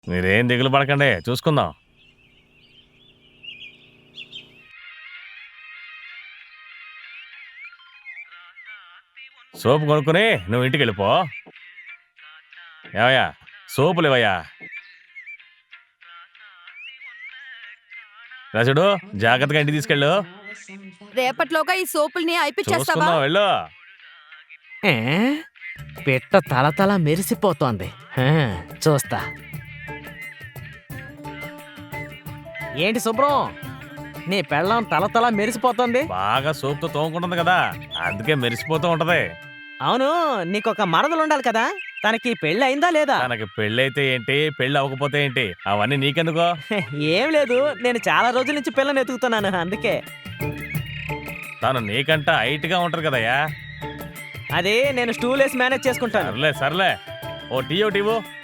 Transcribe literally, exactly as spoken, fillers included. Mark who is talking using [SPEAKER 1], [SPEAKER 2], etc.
[SPEAKER 1] మీరేం దిగులు పడకండి, చూసుకుందాం. సోపు కొనుక్కుని నువ్వు ఇంటికి వెళ్ళిపో. ఏవయ్యా, సోపులు ఇవయ్యా. రాజుడు, జాగ్రత్తగా ఇంటికి తీసుకెళ్ళు.
[SPEAKER 2] రేపట్లోగా ఈ సోపుల్ని అయిపిచ్చేస్తావా?
[SPEAKER 1] చూసుకుందాం, వెళ్ళు.
[SPEAKER 3] ఏ? పిట్ట తల తల మెరిసిపోతోంది. హా, చూస్తా. ఏంటి శుభ్రం, నీ పెళ్ళం తల తల మెరిసిపోతోంది?
[SPEAKER 1] బాగా సోపుతో తోముకుంటుంది కదా, అందుకే మెరిసిపోతూ ఉంటది.
[SPEAKER 3] అవును, నీకొక మరదలు ఉండాలి కదా, తనకి పెళ్ళి అయిందా లేదా?
[SPEAKER 1] తనకి పెళ్ళైతే ఏంటి, పెళ్ళి అవ్వకపోతే ఏంటి, అవన్నీ నీకెందుకో.
[SPEAKER 3] ఏం లేదు, నేను చాలా రోజుల నుంచి పిల్లని ఎతుకుతున్నాను, అందుకే.
[SPEAKER 1] తను నీకంట హైట్ గా ఉంటది కదయ్యా.
[SPEAKER 3] అదే నేను స్టూల్ వేసి మేనేజ్ చేసుకుంటాను.
[SPEAKER 1] సర్లే సర్లే, ఓ టీ ఓ టీవో.